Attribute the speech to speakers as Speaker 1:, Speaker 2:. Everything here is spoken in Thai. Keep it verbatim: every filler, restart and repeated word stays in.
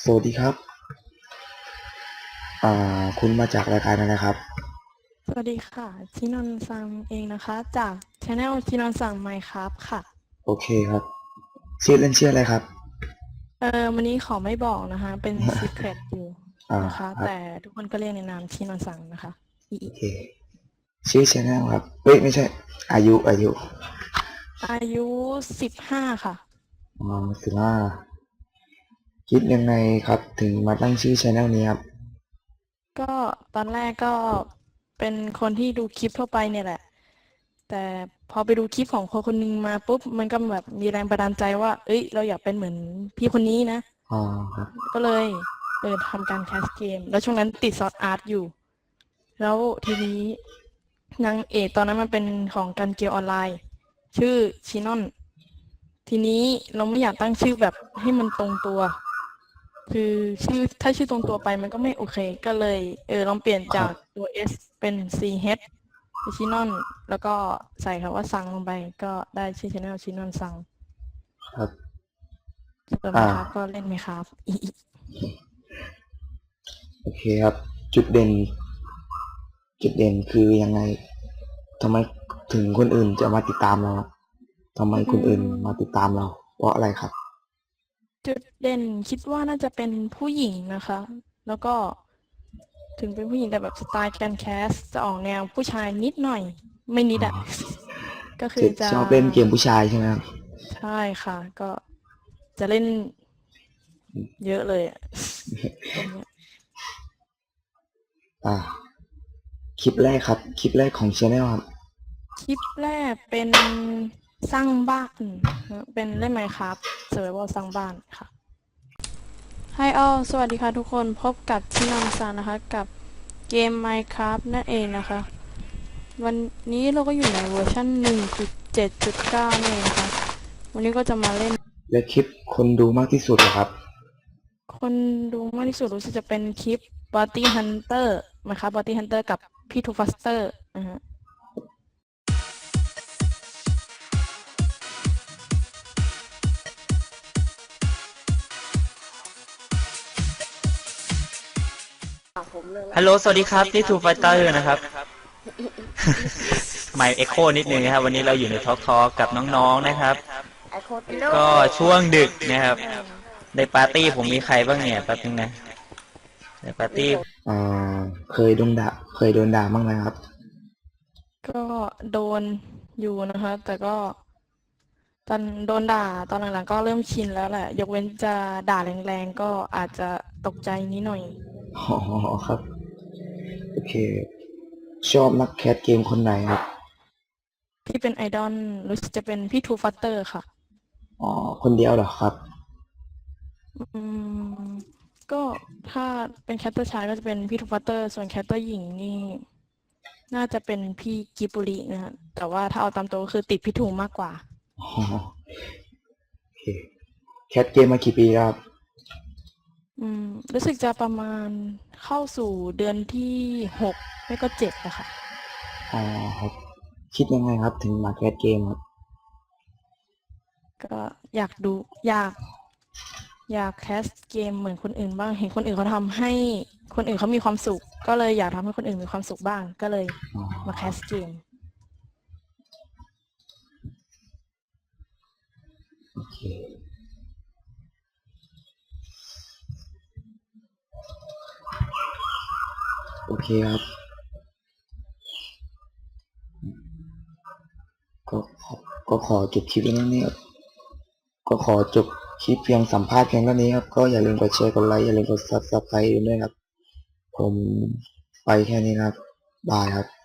Speaker 1: วัสดีครับอ่าคุณมาจากรายการอะไรนะครับ
Speaker 2: สวัสดีค่ะชินนท์ซังเองนะคะจาก Channel ชินนท์ซังไมค์ครับค่ะ
Speaker 1: โอเคครับชื่อเล่นชื่ออะไรครับ
Speaker 2: เออวันนี้ขอไม่บอกนะคะเป็น Secret อยู่
Speaker 1: อ่า
Speaker 2: นะคะ
Speaker 1: ครับ
Speaker 2: แต่ทุกคนก็เรียกในนามชินนท์ซังนะคะอี
Speaker 1: โอเคชื่อชแนลครับเฮ้ยไม่ใช่อายุอายุ
Speaker 2: อายุสิบห้าค่ะ
Speaker 1: อ๋อสิบห้าคิดยังไงครับถึงมาตั้งชื่อชแนลนี้ครับ
Speaker 2: ก็ตอนแรกก็เป็นคนที่ดูคลิปทั่วไปเนี่ยแหละแต่พอไปดูคลิปของคนคนหนึงมาปุ๊บมันก็แบบมีแรงบันดาลใจว่าเอ้ยเราอยากเป็นเหมือนพี่คนนี้นะ
Speaker 1: อ๋อครับ
Speaker 2: ก็เลยเออทำการแคสเกมแล้วช่วงนั้นติดซอร์ดอาร์ตอยู่ แล้วทีนี้นางเอกตอนนั้นมันเป็นของการเกมออนไลน์ชื่อชินอนทีนี้เราไม่อยากตั้งชื่อแบบให้มันตรงตัวคือชื่อถ้าชื่อตรงตัวไปมันก็ไม่โอเคก็เลยเออลองเปลี่ยนจาก
Speaker 1: ครับ
Speaker 2: ตัว S เป็น ซี เอช เป็นชินอนแล้วก็ใส่คำว่าซังลงไปก็ได้ชื่อช anel ชินอนซัง
Speaker 1: ครับ
Speaker 2: ส่วนไหม
Speaker 1: อ่า
Speaker 2: ครับก็เล่นไหมครับอีอี
Speaker 1: โอเคครับจุดเด่นจุดเด่นคือยังไงทำไมถึงคนอื่นจะมาติดตามเราครับทำไม
Speaker 2: อื
Speaker 1: คนอื่นมาติด
Speaker 2: ม
Speaker 1: ตามเราเพราะอะไรครับ
Speaker 2: จุดเด่นคิดว่าน่าจะเป็นผู้หญิงนะคะ แล้วก็ถึงเป็นผู้หญิงแต่แบบสไตล์การแคสจะออกแนวผู้ชายนิดหน่อยไม่นิด
Speaker 1: อ๋อ
Speaker 2: อะก็คื
Speaker 1: จะ
Speaker 2: อจะ
Speaker 1: ชอบเล่นเกมผู้ชายใช่ไหมครับ
Speaker 2: ใช่ค่ะก็จะเล่นเยอะเลยอะตรงเนี้ย
Speaker 1: อ่า คลิปแรกครับคลิปแรกของช anel ครับ
Speaker 2: คลิปแรกเป็นสร้างบ้านนะเป็นเล่นไมน์คราฟต์เซอร์ไววัลสร้างบ้านค่ะ Hi all สวัสดีค่ะทุกคนพบกับชินอนซังนะคะกับเกม Minecraft นั่นเองนะคะ วันนี้เราก็อยู่ในเวอร์ชัน หนึ่งจุดเจ็ดจุดเก้า นี่เองนะคะวันนี้ก็จะมาเล่น
Speaker 1: และคลิปคนดูมากที่สุดเหรอครับ
Speaker 2: คนดูมากที่สุดรู้สึกจะเป็นคลิป Bounty Hunter นะคะ Bounty Hunter กับพี่ทูฟัสเตอร์นะฮะ
Speaker 3: ฮัลโหลสวัสดีครับนี่ทูไฟเตอร์นะครับไมค์เอ็กโคนิดนึงนะครับวันนี้เราอยู่ในทอล์กทอล์กกับน้องๆนะครับก็ช่วงดึกนะครับในปาร์ตี้ผมมีใครบ้างเนี่ยแป๊บนึงนะในปาร์ตี้
Speaker 1: อ่าเคยโดนด่าเคยโดนด่าบ้างไหมครับ
Speaker 2: ก็โดนอยู่นะคะ แต่ก็ตอนโดนด่าตอนหลังๆก็เริ่มชินแล้วแหละ ยกเว้นจะด่าแรงๆ ก็อาจจะตกใจนิดหน่อย
Speaker 1: อ๋อครับโอเคชอบนักแคสเกมคนไหนครับ
Speaker 2: ที่เป็นไอดอลรู้สึกจะเป็นพี่ทูฟัสเตอร์ค่ะ
Speaker 1: อ๋อคนเดียวเหรอครับ
Speaker 2: อืมก็ถ้าเป็นแคตเตอร์ชายก็จะเป็นพี่ทูฟัตเตอร์ส่วนแคตเตอร์หญิงนี่น่าจะเป็นพี่กิบบุรินะฮะแต่ว่าถ้าเอาตามตัวก็คือติดพี่ทูมากกว่า
Speaker 1: อ๋อโอเคแคสเกมมากี่ปีแล้วครับ
Speaker 2: อืมรู้สึกจะประมาณเข้าสู่เดือนที่หกไม่ก็เจ็ดอะค่ะ
Speaker 1: อ๋อครับคิดยังไงครับถึงมาแคสเกมครับ
Speaker 2: ก็อยากดูอยากอยากแคสเกมเหมือนคนอื่นบ้างเห็นคนอื่นเขาทำให้คนอื่นเขามีความสุขก็เลยอยากทำให้คนอื่นมีความสุขบ้างก็เลย
Speaker 1: อ๋อ
Speaker 2: มาแคสเกม
Speaker 1: โอเคโอเคครับก็ขอก็ขอจบคลิปนี้นี่ครับก็ขอจบคลิปเพียงสัมภาษณ์เพียงเท่านี้ครับก็อย่าลืมกดแชร์กดไลค์อย่าลืมกดซับสไครต์ด้วยครับผมไปแค่นี้นะครับบายครับ